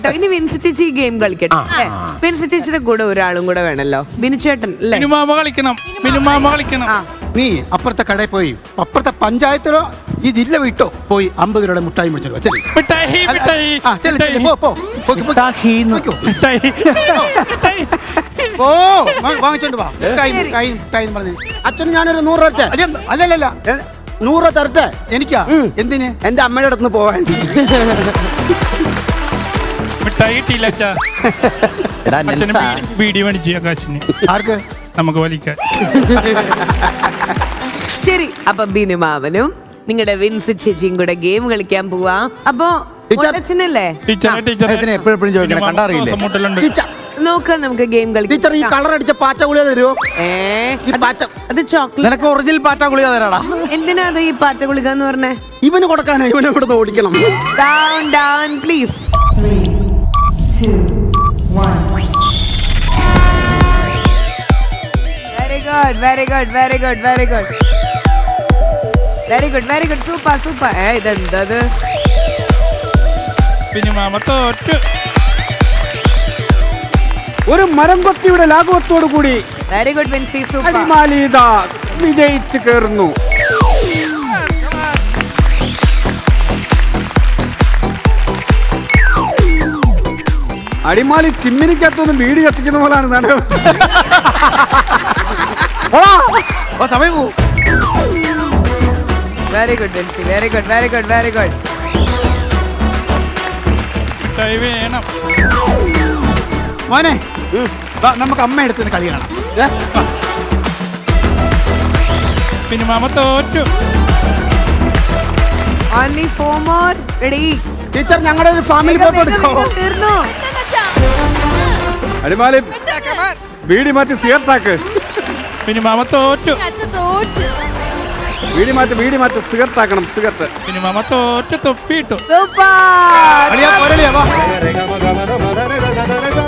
ഇനി വിൻസി ചേച്ചി ഈ ഗെയിം കളിക്കട്ടെ. വിൻസി ചേച്ചിയുടെ കൂടെ ഒരാളും കൂടെ വേണല്ലോ, ബിനുചേട്ടൻ അല്ലേ? കളിക്കണം. നീ അപ്പുറത്തെ കടയിൽ പോയി അപ്പുറത്തെ പഞ്ചായത്തിലോ ഈ ജില്ല വിട്ടോ പോയി 50 രൂപയുടെ മുട്ടായി മേടിച്ചോ. വാങ്ങിച്ചോണ്ട് വാ. പറഞ്ഞു അച്ഛന് ഞാനൊരു 100 രൂപ അല്ലല്ല 100 രൂപ തരട്ടെ. എനിക്കാ? എന്തിന്? എന്റെ അമ്മയുടെ അടുത്ത് പോവാൻ. ആർക്ക്? നമുക്ക് വലിക്കാൻ. ശരി, അപ്പൊ ബിനുമാവനും നിങ്ങളുടെ വിൻസി ചേച്ചിയും കൂടെ ഗെയിം കളിക്കാൻ പോവാ. അപ്പൊ അച്ഛനല്ലേ എപ്പോഴും ചോദിക്കണം, കണ്ടറിയില്ലേ? നോക്കാം, നമുക്ക് ഗെയിം കളിക്കാം. ടീച്ചർ ഈ കളർ അടിച്ച പാറ്റ ഗുളിക തരുമോ? അത് ചോക്ലേറ്റ്. നിനക്ക് ഒറിജിനൽ പാറ്റ ഗുളിക തരാടാ. എന്തിനാ അത് ഈ പാറ്റ ഗുളിക എന്ന് പറഞ്ഞേ? ഇവന് കൊടുക്കാനാ, ഇവനെ ഇവിടുന്ന് ഓടിക്കണം. Down down please. 3, 2, 1. Very good. Super. ഇതെന്തത്? പിന്നെ മാമ തോറ്റു. ഒരു മരം കൊത്തിയുടെ ലാഘവത്തോടു കൂടി വെരി ഗുഡ് വിൻസി, സൂപ്പർ. അടിമാലിത വിജയിച്ചു കയറുന്നു. അടിമാലി ചിമ്മിനിക്കകത്തൊന്നും വീട് കത്തിക്കുന്ന പോലാണ് നടക്കുന്നത്. സമയം പോകും. Very good Vincy, very good. വേണം മോനെ, നമുക്ക് അമ്മ എടുത്തുന്ന കളി കാണാം. പിന്നെ മാമ തോറ്റു. Only 4 more. Ready? ടീച്ചർ ഞങ്ങളുടെ ഒരു ഫാമിലി ഫോട്ടോ എടുക്കാമോ? തീർന്നു. അടിമാലി വീടി മാറ്റി സിഗരറ്റാക്ക്. പിന്നെ മാമ തോറ്റു. വീടി മാറ്റി സിഗരറ്റാക്കണം. സിഗരറ്റ്. പിന്നെ മാമ തോറ്റു. തൊപ്പിയിട്ടു. സൂപ്പർ.